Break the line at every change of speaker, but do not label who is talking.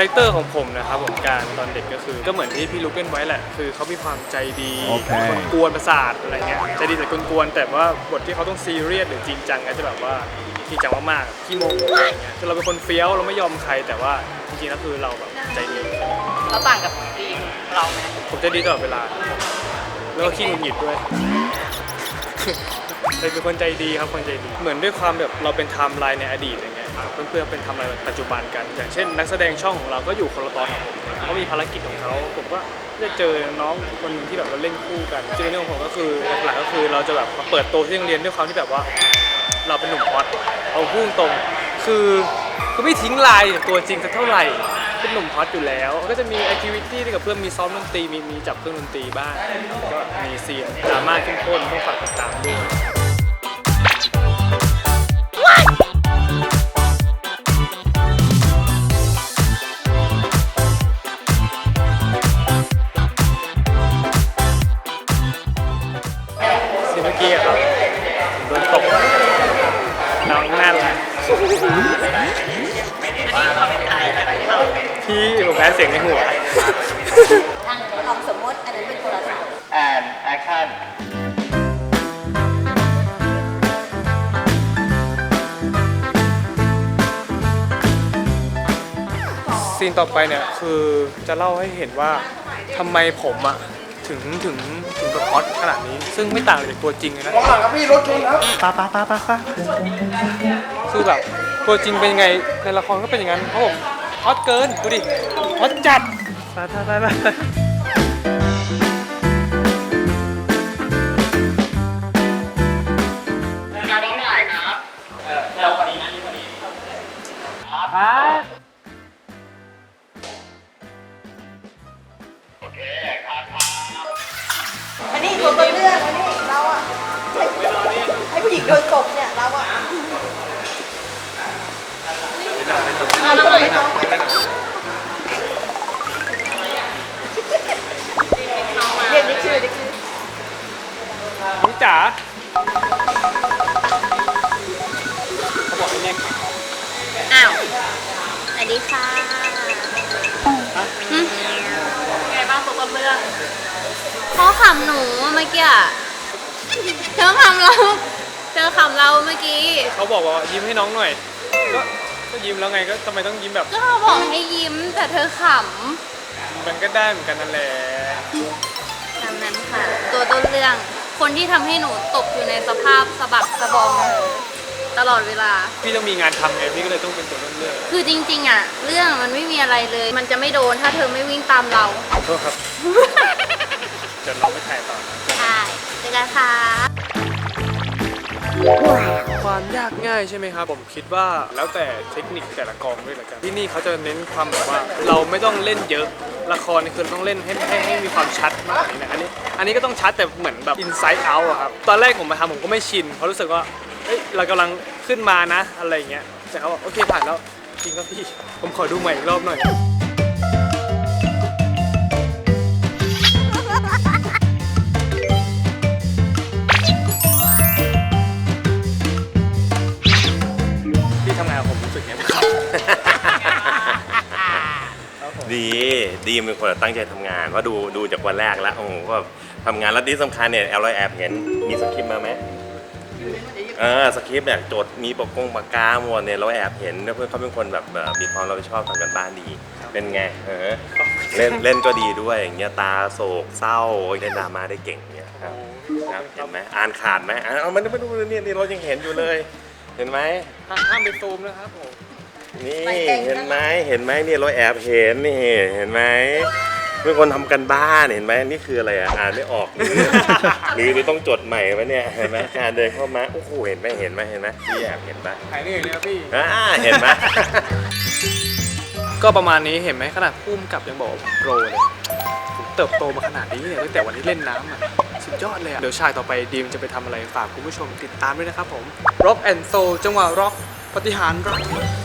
แรคเตอร์ของผมนะครับผมการตอนเด็กก็คือก็เหมือนที่พี่ลุกเล่นไว้แหละคือเขามีความใจดีกวนประสาทอะไรเงี้ยใจดีแต่กวนๆแต่ว่าบทที่เขาต้องซีเรียสหรือจริงจังก็จะแบบว่าจริงจังมากๆขี้โมโหอะไรเงี้ยคือเราเป็นคนเฟี้ยวเราไม่ยอมใครแต่ว่าจริงๆแล้วคือเราแบบใจดี
เราต่างกับดีมเราไหม
ผมใจดีตลอดเวลาแล้วก็ขี้หงุดหงิดด้วยเป็นคนใจดีครับคนใจดีเหมือนด้วยความแบบเราเป็นไทม์ไลน์ในอดีตอย่างเงี้ยเพื่อนๆเป็นไทม์ไลน์ปัจจุบันกันอย่างเช่นนักแสดงช่องของเราก็อยู่คนละตอนของผมเขามีภารกิจของเขาผมก็ได้เจอน้องคนนึงที่แบบเราเล่นคู่กันจริงๆเรื่องของผมก็คือหลักๆก็คือเราจะแบบมาเปิดโตที่โรงเรียนด้วยความที่แบบว่าเราเป็นหนุ่มฮอตเอาพูดตรงคือไม่ทิ้งลายตัวจริงสักเท่าไหร่เป็นหนุ่มฮอตอยู่แล้วก็จะมีแอคทิวิตี้ที่กับเพื่อนมีซ้อมดนตรีมีจับเครื่องดนตรีบ้างก็มีซีนดราม่าเข้มข้นต้องฝากติดตามด้วยซีนเมื่อกี้ครับโดนตกน้องนั่นแหละพี่ผมแพ้เสียงในหัว
ลองสมมติอันนั้นเป็นโทรศัพท์
and action
ซีนต่อไปเนี่ยคือจะเล่าให้เห็นว่าทำไมผมอะถึงแบบฮอตขนาดนี้ซึ่งไม่ต่างจากตัวจริงเลยนะมองหลังครับพี่รถชนครับป้าคือแบบตัวจริงเป็นยังไงในละครก็เป็นอย่างนั้นเพราะผมฮอตเกินดูดิฮอตจัดไป
การน้องใหญ่ครับเราคนนี้นะนี่คนนี้
ครับ
โอเคครับ
อันนี้ตัวต้นเรื่องอันนี้เราอะให้ผู้หญิงโดนตบเนี่ยเราอะเด็กชื่อ
น้องจ๋าเขาบอกให้แน่
อ้าวสวัสดีค่ะไงบ้างตัวต้นเรื่องเขาขำหนูเมื่อกี้เธอขำเราเมื่อกี้
เขาบอกว่ายิ้มให้น้องหน่อยก็ยิ้มแล้วไงก็ทำไมต้องยิ้มแบบ
ก็เขาบอกให้ยิ้มแต่เธอข
มันก็ได้เหมือนกันนั่นแหละ
ำดังนั้นค่ะตัวต้นเรื่องคนที่ทำให้หนูตกอยู่ในสภาพสะบักสะบอมตลอดเวลา
พี่ต้องมีงานทำไงพี่ก็เลยต้องเป็นตัวต้นเรื่อง
คือจริงๆอ่ะเรื่องมันไม่มีอะไรเลยมันจะไม่โดนถ้าเธอไม่วิ่งตามเรา
ขอโทษครับเดี๋ยวเราไปถ่ายต่อ
ใช่เจอกันค่ะ
ความยากง่ายใช่ไหมครับผมคิดว่าแล้วแต่เทคนิคแต่ละกองด้วยละกันที่นี่เขาจะเน้นความแบบว่าเราไม่ต้องเล่นเยอะละครนี่คือต้องเล่นให้มีความชัดมากกว่านี้นะอันนี้ก็ต้องชัดแต่เหมือนแบบ inside out อะครับตอนแรกผมมาทำผมก็ไม่ชินเพราะรู้สึกว่าเรากำลังขึ้นมานะอะไรอย่างเงี้ยแต่เขาบอกโอเคผ่านแล้วจริงครับพี่ผมขอดูใหม่อีกรอบหน่อยพี่ทำงานผมรู้สึกไงบ้าง
ดีเป็นคนตั้งใจทำงานว่าดูจากวันแรกแล้วโอ้โหก็ทำงานแล้วที่สำคัญเนี่ยเราแอบเห็นมีสคริปต์มาไหมสคริปต์เนี่ยโจทย์มีปากกาหมดเนี่ยเราแอบเห็นเพื่อนเขาเป็นคนแบบมีความรับผิดชอบทำกันบ้านดีเป็นไงเล่นก็ดีด้วยอย่างเงี้ยตาโศกเศร้าเล่นดราม่าได้เก่งเนี่ยครับเห็นไหมอ่านขาดไหมเอามันไม่ดูนี่เรายังเห็นอยู่เลยเห็นไหม
ห้ามไปซูมนะครับผม
นี่เห็นไหมเนี่ยเราแอบเห็นนี่เห็นไหมเป็นคนทำกันบ้านเห็นไหมนี่คืออะไรอ่านไม่ออกหรือต้องจดใหม่ไหมเนี่ยเห็นไหมการเดินเข้ามาโอ้โหเห็นไหมพี่แอบเห็นไหม
ถ่ายนี่เลยครับพี่
เห็นไหม
ก็ประมาณนี้เห็นไหมขนาดพุ่มกับยังบอกโปรเลยเติบโตมาขนาดนี้เนี่ยตั้งแต่วันที่เล่นน้ำสุดยอดเลยเดี๋ยวชายต่อไปดีมจะไปทำอะไรฝากคุณผู้ชมติดตามด้วยนะครับผม Rock and Soul จังหวะร็อกปฏิหารร็อก